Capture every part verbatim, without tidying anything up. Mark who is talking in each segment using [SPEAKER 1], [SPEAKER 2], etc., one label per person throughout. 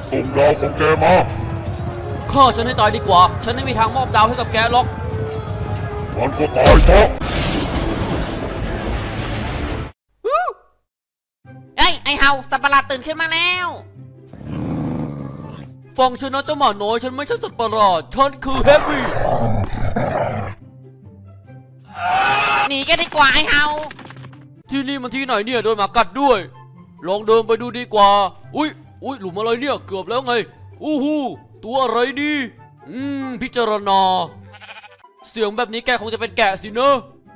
[SPEAKER 1] ส่งดาวของแกมา
[SPEAKER 2] ฆ่าฉันให้ตายดีกว่าฉันไม่มีทางมอบดาวให้กับแกหรอก
[SPEAKER 1] มันก็ตายซะ
[SPEAKER 3] เอ้ยไอเฮาสัตว์ประหลาดตื่นขึ้นมาแล้ว
[SPEAKER 2] ฟังฉันนะเจ้าหมาน้อยฉันไม่ใช่สัตว์ประหลาดฉันคือเฮฟวี่
[SPEAKER 3] หนีกันดีกว่าไอเฮา
[SPEAKER 2] ที่นี่มันที่ไหนเนี่ยโดนหมากัดด้วยลองเดินไปดูดีกว่าอุ้ยอุ้ยหลุมอะไรเนี่ยเกือบแล้วไงอู้หูตัวอะไรดีอืมพิจารณาเสียงแบบนี้แกคงจะเป็นแกะสินะ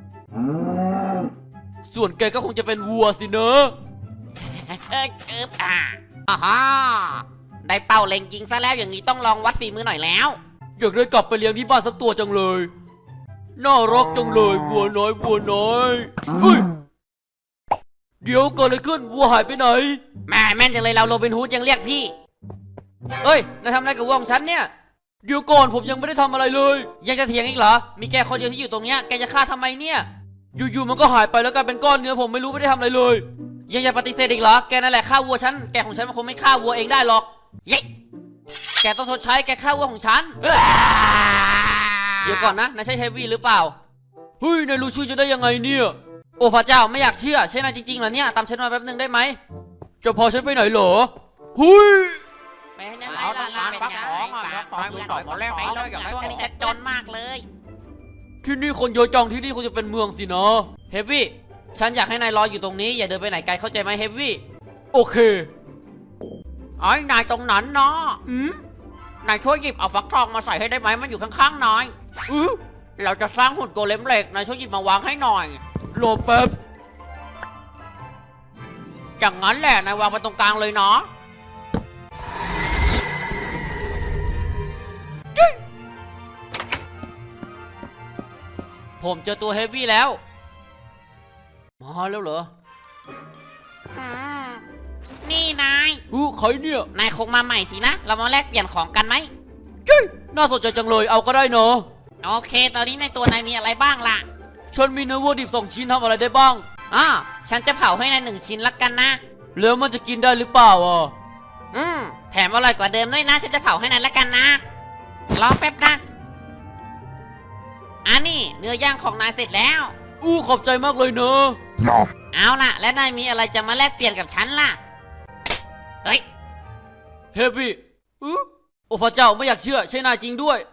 [SPEAKER 2] ส่วนแกก็คงจะเป็นวัวสินะ
[SPEAKER 3] เอ้ยเอบอ่ะอ๋อฮะได้เป้าเล็งยิงซะแล้วอย่างนี้ต้องลองวัดฝีมือหน่อยแล้ว
[SPEAKER 2] อยากได้กลับไปเลี้ยงที่บ้านสักตัวจังเลยน่ารักจังเลยวัวน้อยวัวน้อยเฮ้ยเดี๋ยวเกิดอะไรขึ้นวัวหายไปไหน
[SPEAKER 3] แม่แม่นจังเลยเราโรบินฮูดยังเรียกพี่
[SPEAKER 2] เอ้ยนายทำอะไรกับวัวของฉันเนี่ยเดี๋ยวก่อนผมยังไม่ได้ทำอะไรเลย
[SPEAKER 3] ยังจะเถียงอีกเหรอมีแกคนเดียวที่อยู่ตรงเนี้ยแกจะฆ่าทำไมเนี่ย
[SPEAKER 2] อยู่ๆมันก็หายไปแล้วกลายเป็นก้อนเนื้อผมไม่รู้ไม่ได้ทำอะไรเลย
[SPEAKER 3] ยังจะปฏิเสธอีกเหรอแกนั่นแหละฆ่าวัวฉันแกของฉันมันคงไม่ฆ่าวัวเองได้หรอกเย้แกต้องชดใช้แกฆ่าวัวของฉันเดี๋ยวก่อนนะนายใช่เฮฟวี่หรือเปล่า
[SPEAKER 2] เฮ้ยนายรู้ชื่อจะได้ยังไงเนี่ย
[SPEAKER 3] โอ้พระเจ้าไม่อยากเชื่อใช่นายจริงๆเหรอเนี่ยตามฉันมาแป๊บนึงได้ไหม
[SPEAKER 2] จะพอฉันไปไหนเหรอเฮ้ย
[SPEAKER 3] ไปนั่นไรล่ะล่ะเป็นไงปล่อยมือต่อยหมดแล้วไปแล้วอย่างช่วงนี้ฉันจนมากเลย
[SPEAKER 2] ที่นี่คนเยอะจังที่นี่คงจะเป็นเมืองสินะ
[SPEAKER 3] เฮฟวี่ฉันอยากให้นายรออยู่ตรงนี้อย่าเดินไปไหนไกลเข้าใจไหมเฮฟวี่
[SPEAKER 2] โอเค
[SPEAKER 3] ไอ้นายตรงนั้นเนาะอืมนายช่วยหยิบเอาฟักทองมาใส่ให้ได้ไหมมันอยู่ข้างๆนายอือเราจะสร้างหุ่นโกเลมเหล็กนายช่วยหยิบมาวางให้หน่อย
[SPEAKER 2] รอแป๊บ
[SPEAKER 3] อย่างนั้นแหละนายวางไปตรงกลางเลยเนาะ
[SPEAKER 2] ผมเจอตัวเฮฟวี่แล้วมาแล้วเหรอ
[SPEAKER 3] นี่นาย
[SPEAKER 2] อู้ใครเนี่ย
[SPEAKER 3] นายคงมาใหม่สินะเรามาแลกเปลี่ยนของกันไหม
[SPEAKER 2] จุ้ยน่าสนใจจังเลยเอาก็ได้เนาะ
[SPEAKER 3] โอเคตอนนี้ในตัวนายมีอะไรบ้างล่ะ
[SPEAKER 2] ฉันมีเนื้อวัวดิบสองชิ้นทำอะไรได้บ้าง
[SPEAKER 3] อ๋อฉันจะเผาให้นายหนึ่งชิ้นละกันนะ
[SPEAKER 2] แล้วมันจะกินได้หรือเปล่าอ่ะ
[SPEAKER 3] อืมแถมอร่อยกว่าเดิมด้วยนะฉันจะเผาให้นายละกันนะรอแป๊บนะอันนี้เนื้อย่างของนายเสร็จแล้ว
[SPEAKER 2] อู้ขอบใจมากเลยเนอะ
[SPEAKER 3] เอาล่ะและนายมีอะไรจะมาแลกเปลี่ยนกับฉันล่ะเฮ้ย
[SPEAKER 2] เฮฟวี่อู้โอ้พระเจ้าไม่อยากเชื่อใช่นายจริงด้วย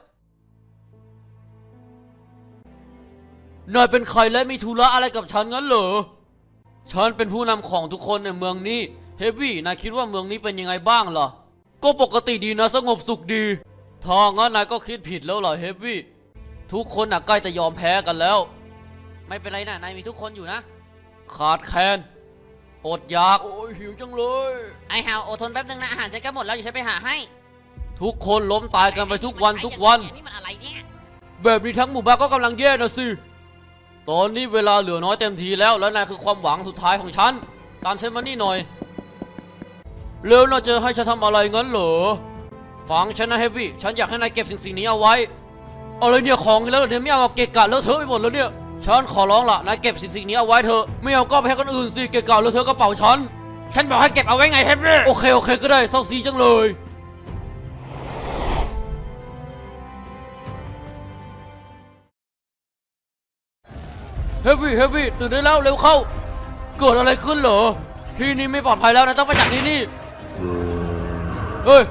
[SPEAKER 2] นายเป็นใครและมีธุระอะไรกับฉันงั้นเหรอฉันเป็นผู้นำของทุกคนในเมืองนี้เฮฟวี่นายคิดว่าเมืองนี้เป็นยังไงบ้างล่ะก็ปกติดีนะสงบสุขดีถ้างั้นนายก็คิดผิดแล้วล่ะเฮฟวี่ทุกคนน่ะใกล้จะยอมแพ้กันแล้ว
[SPEAKER 3] ไม่เป็นไรนะนายมีทุกคนอยู่นะ
[SPEAKER 2] ขาดแคลนอดอยากโอ้ยหิวจังเลย
[SPEAKER 3] ไอฮาวอดทนแป๊บนึงนะอาหารฉันก็หมดแล้วอยู่ฉันไปหาให้
[SPEAKER 2] ทุกคนล้มตายกันไปทุกวันทุกวัน
[SPEAKER 3] นี่มันอะไรเนี่ย
[SPEAKER 2] แบบนี้ทั้งหมู่บ้านก็กำลังแย่นะสิตอนนี้เวลาเหลือน้อยเต็มทีแล้วและนายคือความหวังสุดท้ายของฉันตามฉันมานี่หน่อยแล้วน่าจะให้ฉันทำอะไรงั้นเหรอฟังฉันนะเฮฟวี่ฉันอยากให้นายเก็บสิ่งสิ่งนี้เอาไว้อะไรเนี่ยของแล้วเดี๋ยวไม่เอาเกะกะเลอะเทอะไปหมดแล้วเนี่ยฉันขอร้องล่ะนายเก็บสิ่งสิ่งนี้เอาไว้เถอะไม่เอาก็ไปให้คนอื่นสิเกะกะเลอะเทอะกระเป๋าฉัน
[SPEAKER 3] ฉันบอกให้เก็บเอาไว้ไงเฮฟวี่
[SPEAKER 2] โอเคโอเคก็ได้เศร้าซีจังเลยเฮฟวี่เฮฟวี่ตื่นได้แล้วเร็วเข้าเกิดอะไรขึ้นเหรอที่นี่ไม่ปลอดภัยแล้วนะต้องไปจากที่นี่เฮ้ย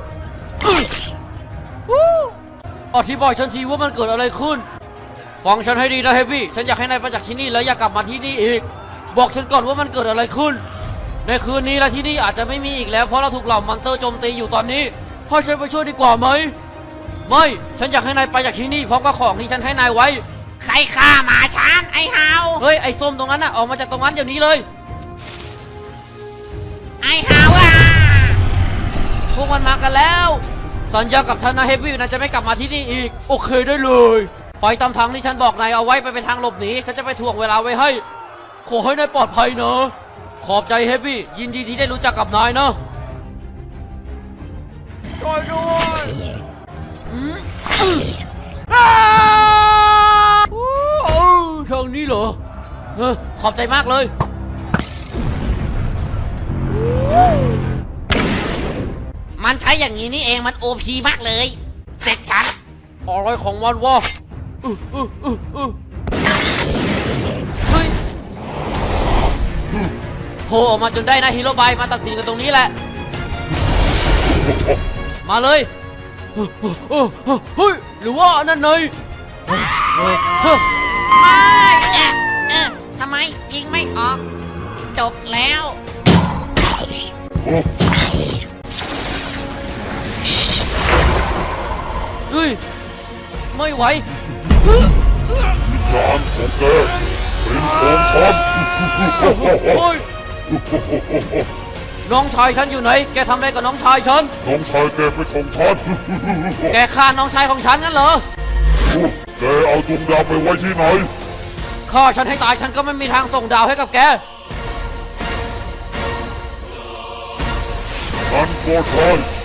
[SPEAKER 2] อธิบายฉันทีว่ามันเกิดอะไรขึ้นฟังฉันให้ดีนะเฮฟวี่ฉันอยากให้นายไปจากที่นี่แล้วอย่ากลับมาที่นี่อีกบอกฉันก่อนว่ามันเกิดอะไรขึ้นในคืนนี้และที่นี่อาจจะไม่มีอีกแล้วเพราะเราถูกเหล่ามอนเตอร์โจมตีอยู่ตอนนี้ให้ฉันไปช่วยดีกว่าไหมไม่ฉันอยากให้นายไปจากที่นี่พร้อมกับของที่ฉันให้นายไว้
[SPEAKER 3] ใครฆ่าหมาฉันไอ้ฮาว
[SPEAKER 2] เฮ้ยไอ้ส้มตรงนั้นน่ะออกมาจากตรงนั้นเดี๋ยวนี้เลย
[SPEAKER 3] ไอ้ฮาวอ่ะ
[SPEAKER 2] พวกมันมากันแล้วสัญญากับฉันนะเฮฟวี่นายจะไม่กลับมาที่นี่อีกโอเคได้เลยไปตามทางที่ฉันบอกนายเอาไว้ไปเป็นทางหลบหนีฉันจะไปถ่วงเวลาไว้ให้ขอให้นายปลอดภัยนะขอบใจเฮฟวี่ยินดีที่ได้รู้จักกับนายนะช่วยด้วยทางนี้เหรอเฮ้ขอบใจมากเลย
[SPEAKER 3] มมันใช้อย่างนี้นี่เองมันโอพีมากเลย เสร็จฉัน
[SPEAKER 2] อะไรของมันวะอื้ออื้ออื้ออื้อเฮ้ยโผล่ออกมาจนได้นะฮีโร่บายมาตัดสินกันตรงนี้แหละ มาเลยเฮ้ยหรือว่านั่นไง
[SPEAKER 3] ไม่เอ๊ะเอ๊ะทำไมยิงไม่ออก จบแล้ว
[SPEAKER 2] เฮ้ยไม่ไหว
[SPEAKER 1] จานของแกเป็นของฉัน
[SPEAKER 2] เฮ้ยน้องชายฉันอยู่ไหนแกทำอะไรกับน้องชายฉัน
[SPEAKER 1] น้องชายแกเป็นของฉัน
[SPEAKER 2] แกฆ่าน้องชายของฉันงั้นเหรอ
[SPEAKER 1] แกเอาดวงดาวไปไว้ที่ไหน
[SPEAKER 2] ฆ่าฉันให้ตายฉันก็ไม่มีทางส่งดาวให้กับแก
[SPEAKER 1] ฉันก็ใช่